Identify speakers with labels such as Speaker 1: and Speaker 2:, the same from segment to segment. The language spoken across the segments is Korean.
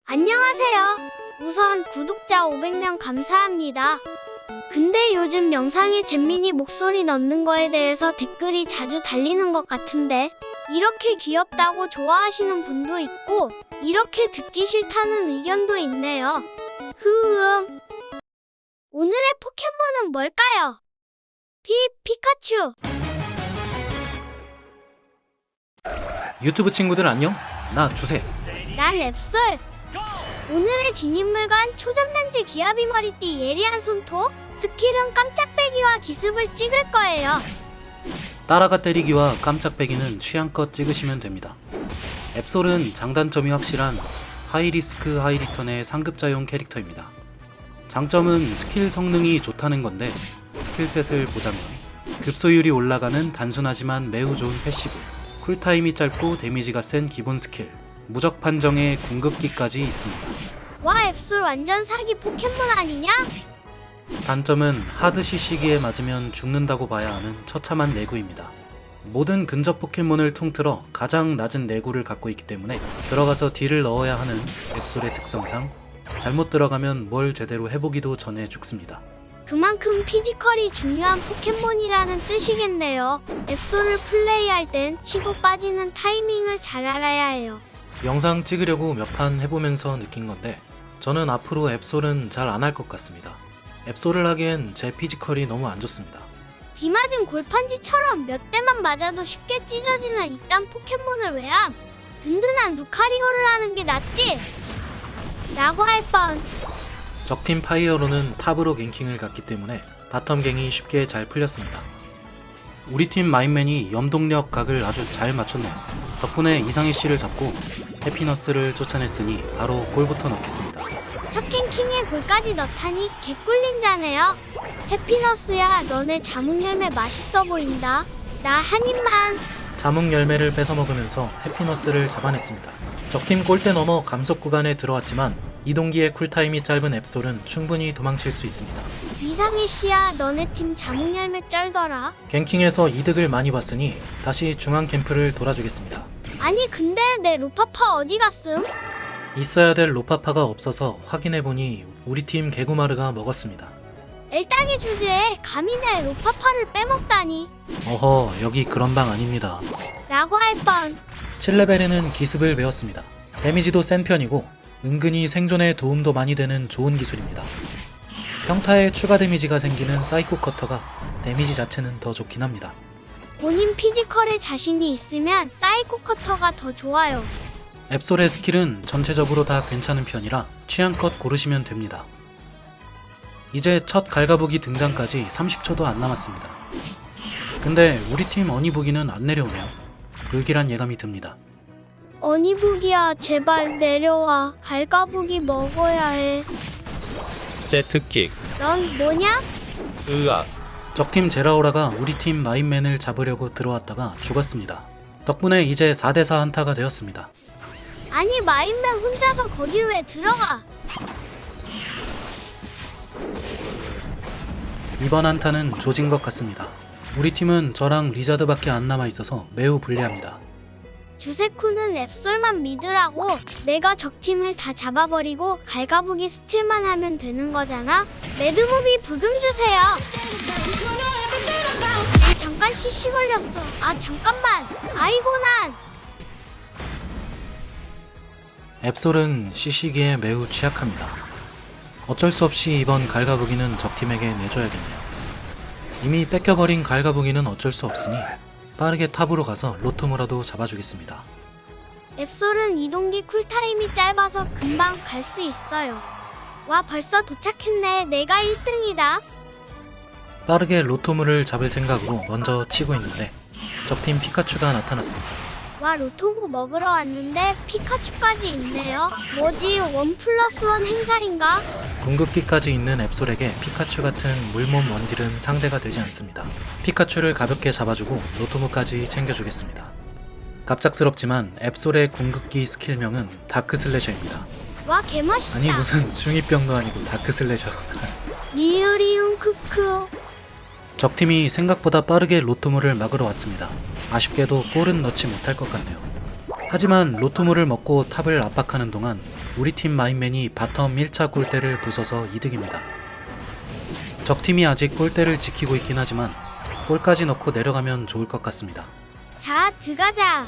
Speaker 1: 안녕하세요. 우선 구독자 500명 감사합니다. 근데 요즘 영상에 잼민이 목소리 넣는 거에 대해서 댓글이 자주 달리는 것 같은데 이렇게 귀엽다고 좋아하시는 분도 있고 이렇게 듣기 싫다는 의견도 있네요. 오늘의 포켓몬은 뭘까요? 피카츄.
Speaker 2: 유튜브 친구들 안녕? 나 주세.
Speaker 1: 난 앱솔. 오늘의 진입물건 초점렌즈 기아비 머리띠 예리한 손톱, 스킬은 깜짝배기와 기습을 찍을 거예요.
Speaker 2: 따라가 때리기와 깜짝배기는 취향껏 찍으시면 됩니다. 앱솔은 장단점이 확실한 하이리스크 하이리턴의 상급자용 캐릭터입니다. 장점은 스킬 성능이 좋다는 건데 스킬셋을 보자면 급소율이 올라가는 단순하지만 매우 좋은 패시브, 쿨타임이 짧고 데미지가 센 기본 스킬, 무적 판정의 궁극기까지 있습니다.
Speaker 1: 와, 앱솔 완전 사기 포켓몬 아니냐?
Speaker 2: 단점은 하드 CC기에 맞으면 죽는다고 봐야 하는 처참한 내구입니다. 모든 근접 포켓몬을 통틀어 가장 낮은 내구를 갖고 있기 때문에 들어가서 딜을 넣어야 하는 앱솔의 특성상 잘못 들어가면 뭘 제대로 해보기도 전에 죽습니다.
Speaker 1: 그만큼 피지컬이 중요한 포켓몬이라는 뜻이겠네요. 앱솔을 플레이할 땐 치고 빠지는 타이밍을 잘 알아야 해요.
Speaker 2: 영상 찍으려고 몇 판 해보면서 느낀 건데 저는 앞으로 앱솔은 잘 안 할 것 같습니다. 앱솔을 하기엔 제 피지컬이 너무 안 좋습니다.
Speaker 1: 비 맞은 골판지처럼 몇 대만 맞아도 쉽게 찢어지는 이딴 포켓몬을 왜 함? 든든한 루카리오를 하는 게 낫지? 라고 할 뻔.
Speaker 2: 적팀 파이어로는 탑으로 갱킹을 갔기 때문에 바텀 갱이 쉽게 잘 풀렸습니다. 우리 팀 마인맨이 염동력 각을 아주 잘 맞췄네요. 덕분에 이상희 씨를 잡고 해피너스를 쫓아냈으니 바로 골부터 넣겠습니다.
Speaker 1: 첫 갱킹에 골까지 넣다니 개꿀린 자네요. 해피너스야, 너네 자몽열매 맛있어 보인다. 나 한 입만.
Speaker 2: 자몽 열매를 뺏어 먹으면서 해피너스를 잡아냈습니다. 적팀 골대 넘어 감속 구간에 들어왔지만 이동기의 쿨타임이 짧은 앱솔은 충분히 도망칠 수 있습니다.
Speaker 1: 이상희 씨야, 너네 팀 자몽열매 쩔더라.
Speaker 2: 갱킹에서 이득을 많이 봤으니 다시 중앙 캠프를 돌아주겠습니다.
Speaker 1: 아니 근데 내 루파파 어디 갔음?
Speaker 2: 있어야 될 로파파가 없어서 확인해보니 우리 팀 개구마르가 먹었습니다.
Speaker 1: 엘딱이 주제에 감히 내 루파파를 빼먹다니.
Speaker 2: 어허, 여기 그런 방 아닙니다.
Speaker 1: 라고 할 뻔.
Speaker 2: 7레벨에는 기습을 배웠습니다. 데미지도 센 편이고 은근히 생존에 도움도 많이 되는 좋은 기술입니다. 평타에 추가 데미지가 생기는 사이코 커터가 데미지 자체는 더 좋긴 합니다.
Speaker 1: 본인 피지컬에 자신이 있으면 사이코 커터가 더 좋아요.
Speaker 2: 앱솔의 스킬은 전체적으로 다 괜찮은 편이라 취향껏 고르시면 됩니다. 이제 첫 갈가부기 등장까지 30초도 안 남았습니다. 근데 우리 팀 어니부기는 안 내려오네요. 불길한 예감이 듭니다.
Speaker 1: 어니부기야, 제발 내려와. 갈가부기 먹어야 해.
Speaker 3: 제트킥,
Speaker 1: 넌 뭐냐?
Speaker 3: 으악,
Speaker 2: 적팀 제라오라가 우리 팀 마인맨을 잡으려고 들어왔다가 죽었습니다. 덕분에 이제 4대4 한타가 되었습니다.
Speaker 1: 아니 마인맨 혼자서 거길 왜 들어가?
Speaker 2: 이번 한타는 조진 것 같습니다. 우리 팀은 저랑 리자드밖에 안 남아있어서 매우 불리합니다.
Speaker 1: 주세쿠는 앱솔만 믿으라고. 내가 적팀을 다 잡아버리고 갈가부기 스틸만 하면 되는 거잖아. 매드무비 부금 주세요. 잠깐 CC 걸렸어. 잠깐만. 아이고 난.
Speaker 2: 앱솔은 CC기에 매우 취약합니다. 어쩔 수 없이 이번 갈가부기는 적팀에게 내줘야겠네요. 이미 뺏겨버린 갈가부기는 어쩔 수 없으니 빠르게 탑으로 가서 로토무라도 잡아주겠습니다.
Speaker 1: 앱솔은 이동기 쿨타임이 짧아서 금방 갈 수 있어요. 와, 벌써 도착했네. 내가 1등이다.
Speaker 2: 빠르게 로토무를 잡을 생각으로 먼저 치고 있는데 적팀 피카츄가 나타났습니다.
Speaker 1: 와, 로토구 먹으러 왔는데 피카츄까지 있네요. 뭐지, 1+1 행사인가?
Speaker 2: 궁극기까지 있는 앱솔에게 피카츄 같은 물몸 원딜은 상대가 되지 않습니다. 피카츄를 가볍게 잡아주고 로토무까지 챙겨주겠습니다. 갑작스럽지만 앱솔의 궁극기 스킬명은 다크슬래셔입니다.
Speaker 1: 와, 개멋있다.
Speaker 2: 아니 무슨 중2병도 아니고 다크슬래셔.
Speaker 1: 리으리움 크크.
Speaker 2: 적팀이 생각보다 빠르게 로토무를 막으러 왔습니다. 아쉽게도 골은 넣지 못할 것 같네요. 하지만 로토무를 먹고 탑을 압박하는 동안 우리 팀 마인맨이 바텀 1차 골대를 부숴서 이득입니다. 적팀이 아직 골대를 지키고 있긴 하지만 골까지 넣고 내려가면 좋을 것 같습니다.
Speaker 1: 자, 들어가자.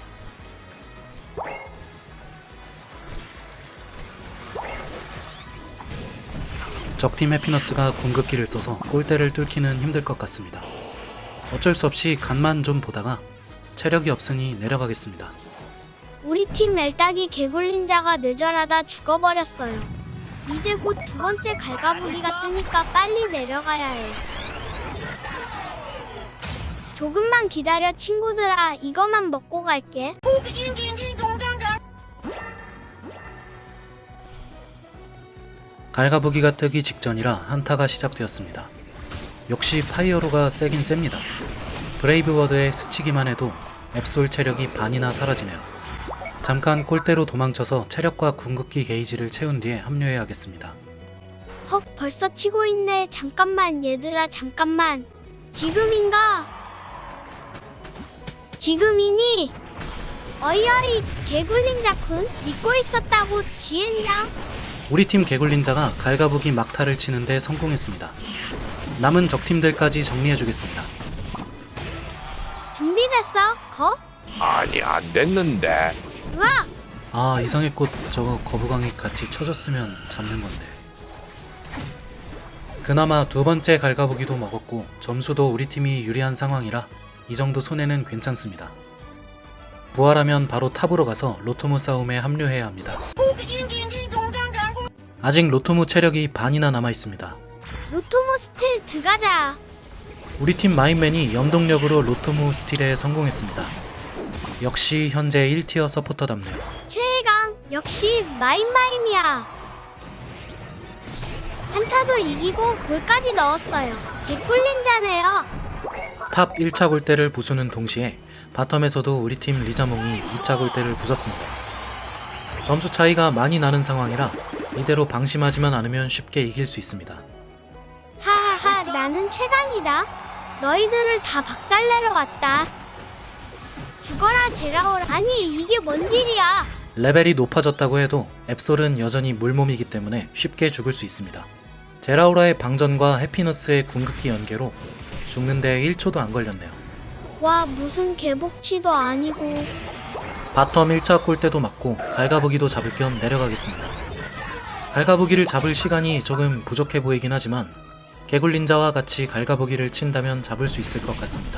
Speaker 2: 적팀 해피너스가 궁극기를 써서 골대를 뚫기는 힘들 것 같습니다. 어쩔 수 없이 간만 좀 보다가 체력이 없으니 내려가겠습니다.
Speaker 1: 우리 팀 엘딱이 개굴린자가 뇌절하다 죽어버렸어요. 이제 곧 두 번째 갈가부기가 뜨니까 빨리 내려가야 해. 조금만 기다려 친구들아. 이거만 먹고 갈게.
Speaker 2: 갈가부기가 뜨기 직전이라 한타가 시작되었습니다. 역시 파이어로가 세긴 셉니다. 브레이브워드에 스치기만 해도 앱솔 체력이 반이나 사라지네요. 잠깐 골대로 도망쳐서 체력과 궁극기 게이지를 채운 뒤에 합류해야겠습니다.
Speaker 1: 헉, 벌써 치고 있네. 잠깐만 얘들아, 잠깐만. 지금인가? 지금이니? 어이어이, 개굴린자군 믿고 있었다고 지엔장.
Speaker 2: 우리 팀 개굴린자가 갈가부기 막타를 치는데 성공했습니다. 남은 적팀들까지 정리해주겠습니다.
Speaker 1: 준비됐어? 거?
Speaker 4: 아니 안 됐는데.
Speaker 1: 으악!
Speaker 2: 아, 이상의 꽃 저거 거부광이 같이 쳐줬으면 잡는 건데. 그나마 두 번째 갈가부기도 먹었고 점수도 우리 팀이 유리한 상황이라 이 정도 손해는 괜찮습니다. 부활하면 바로 탑으로 가서 로토무 싸움에 합류해야 합니다. 아직 로토무 체력이 반이나 남아있습니다.
Speaker 1: 로토모 스틸 들어가자.
Speaker 2: 우리 팀 마인맨이 염동력으로 로토무 스틸에 성공했습니다. 역시 현재 1티어 서포터답네요.
Speaker 1: 최강 역시 마임이야. 한타도 이기고 골까지 넣었어요. 개꿀린자네요.
Speaker 2: 탑 1차 골대를 부수는 동시에 바텀에서도 우리 팀 리자몽이 2차 골대를 부쉈습니다. 점수 차이가 많이 나는 상황이라 이대로 방심하지만 않으면 쉽게 이길 수 있습니다.
Speaker 1: 하하하, 나는 최강이다. 너희들을 다 박살내러 왔다. 죽어라 제라올. 아니 이게 뭔 일이야.
Speaker 2: 레벨이 높아졌다고 해도 앱솔은 여전히 물몸이기 때문에 쉽게 죽을 수 있습니다. 제라우라의 방전과 해피너스의 궁극기 연계로 죽는데 1초도 안 걸렸네요.
Speaker 1: 와, 무슨 개복치도 아니고.
Speaker 2: 바텀 1차 골대도 맞고 갈가부기도 잡을 겸 내려가겠습니다. 갈가부기를 잡을 시간이 조금 부족해 보이긴 하지만 개굴린자와 같이 갈가부기를 친다면 잡을 수 있을 것 같습니다.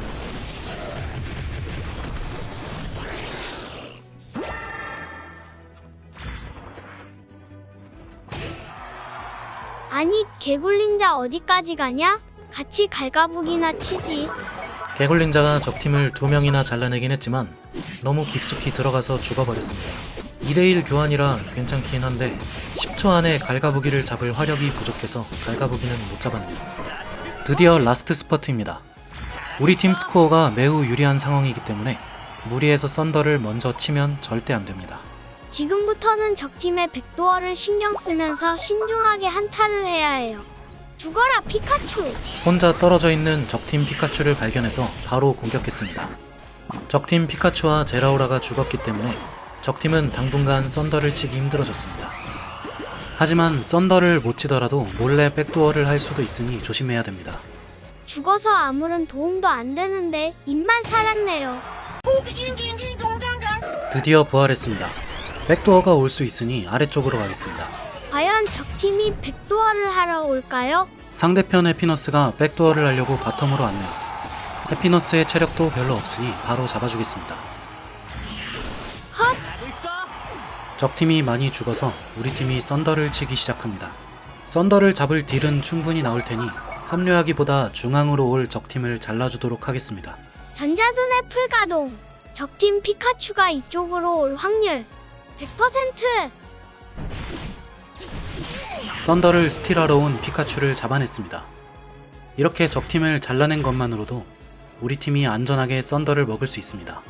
Speaker 1: 아니 개굴린자 어디까지 가냐? 같이 갈가부기나 치지.
Speaker 2: 개굴린자가 적팀을 2명이나 잘라내긴 했지만 너무 깊숙이 들어가서 죽어버렸습니다. 2대1 교환이라 괜찮긴 한데 10초 안에 갈가부기를 잡을 화력이 부족해서 갈가부기는 못 잡았네요. 드디어 라스트 스퍼트입니다. 우리 팀 스코어가 매우 유리한 상황이기 때문에 무리해서 썬더를 먼저 치면 절대 안됩니다.
Speaker 1: 지금부터는 적팀의 백도어를 신경 쓰면서 신중하게 한타를 해야 해요. 죽어라 피카츄.
Speaker 2: 혼자 떨어져 있는 적팀 피카츄를 발견해서 바로 공격했습니다. 적팀 피카츄와 제라우라가 죽었기 때문에 적팀은 당분간 썬더를 치기 힘들어졌습니다. 하지만 썬더를 못 치더라도 몰래 백도어를 할 수도 있으니 조심해야 됩니다.
Speaker 1: 죽어서 아무런 도움도 안 되는데 입만 살았네요.
Speaker 2: 드디어 부활했습니다. 백도어가 올 수 있으니 아래쪽으로 가겠습니다.
Speaker 1: 과연 적팀이 백도어를 하러 올까요?
Speaker 2: 상대편 해피너스가 백도어를 하려고 바텀으로 왔네요. 해피너스의 체력도 별로 없으니 바로 잡아주겠습니다.
Speaker 1: 헛!
Speaker 2: 적팀이 많이 죽어서 우리 팀이 썬더를 치기 시작합니다. 썬더를 잡을 딜은 충분히 나올 테니 합류하기보다 중앙으로 올 적팀을 잘라주도록 하겠습니다.
Speaker 1: 전자둔의 풀가동. 적팀 피카츄가 이쪽으로 올 확률 100%.
Speaker 2: 썬더를 스틸하러 온 피카츄를 잡아냈습니다. 이렇게 적팀을 잘라낸 것만으로도 우리 팀이 안전하게 썬더를 먹을 수 있습니다.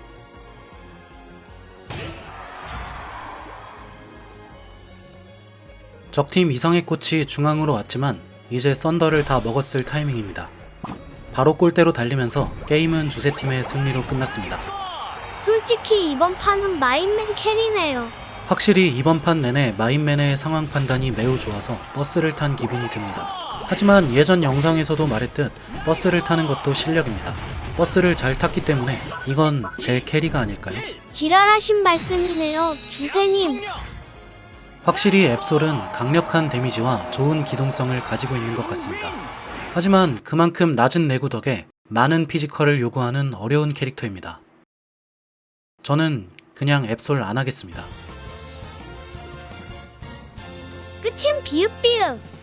Speaker 2: 적팀 이성의 꽃이 중앙으로 왔지만 이제 썬더를 다 먹었을 타이밍입니다. 바로 골대로 달리면서 게임은 주세팀의 승리로 끝났습니다.
Speaker 1: 솔직히 이번 판은 마인맨 캐리네요.
Speaker 2: 확실히 이번 판 내내 마인맨의 상황 판단이 매우 좋아서 버스를 탄 기분이 듭니다. 하지만 예전 영상에서도 말했듯 버스를 타는 것도 실력입니다. 버스를 잘 탔기 때문에 이건 제 캐리가 아닐까요?
Speaker 1: 지랄하신 말씀이네요, 주세님.
Speaker 2: 확실히 앱솔은 강력한 데미지와 좋은 기동성을 가지고 있는 것 같습니다. 하지만 그만큼 낮은 내구 덕에 많은 피지컬을 요구하는 어려운 캐릭터입니다. 저는 그냥 앱솔 안 하겠습니다.
Speaker 1: 끝임 비읍비읍.